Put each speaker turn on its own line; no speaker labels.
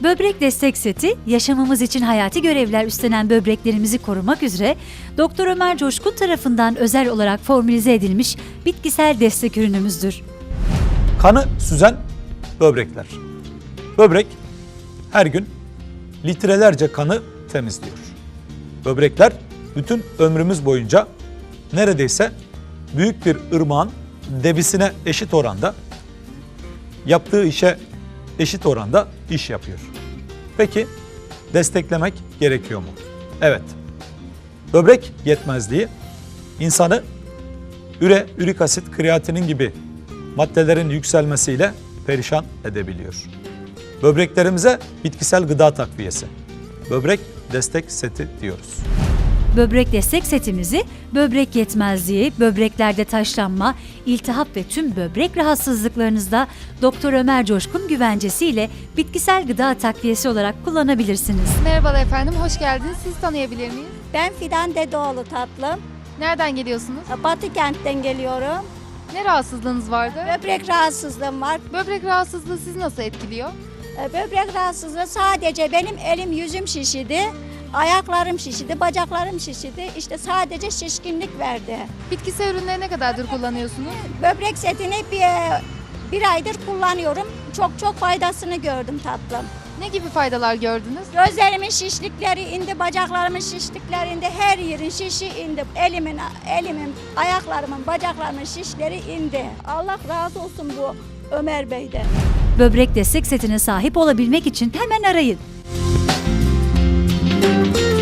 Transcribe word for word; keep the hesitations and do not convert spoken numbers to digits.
Böbrek destek seti, yaşamımız için hayati görevler üstlenen böbreklerimizi korumak üzere Doktor Ömer Coşkun tarafından özel olarak formülize edilmiş bitkisel destek ürünümüzdür.
Kanı süzen böbrekler. Böbrek her gün litrelerce kanı temizliyor. Böbrekler bütün ömrümüz boyunca neredeyse büyük bir ırmağın debisine eşit oranda, yaptığı işe eşit oranda iş yapıyor. Peki desteklemek gerekiyor mu? Evet. Böbrek yetmezliği insanı üre, ürik asit, kreatinin gibi maddelerin yükselmesiyle perişan edebiliyor. Böbreklerimize bitkisel gıda takviyesi, böbrek destek seti diyoruz.
Böbrek destek setimizi böbrek yetmezliği, böbreklerde taşlanma, iltihap ve tüm böbrek rahatsızlıklarınızda Doktor Ömer Coşkun güvencesiyle bitkisel gıda takviyesi olarak kullanabilirsiniz.
Merhabalar efendim, hoş geldiniz. Sizi tanıyabilir miyiz?
Ben Fidan Dedeoğlu tatlım.
Nereden geliyorsunuz?
Batı kentten geliyorum.
Ne rahatsızlığınız vardı?
Böbrek rahatsızlığım var.
Böbrek rahatsızlığı sizi nasıl etkiliyor?
E, Böbrek rahatsızlığı sadece benim elim yüzüm şişidi. Ayaklarım şişidi, bacaklarım şişidi. İşte sadece şişkinlik verdi.
Bitkisel ürünleri ne kadardır kullanıyorsunuz?
Böbrek setini bir, bir aydır kullanıyorum. Çok çok faydasını gördüm tatlım.
Ne gibi faydalar gördünüz?
Gözlerimin şişlikleri indi, bacaklarımın şişlikleri indi, her yerin şişi indi. Elimin, elimin, ayaklarımın, bacaklarımın şişleri indi. Allah razı olsun bu Ömer Bey'den.
Böbrek destek setine sahip olabilmek için hemen arayın.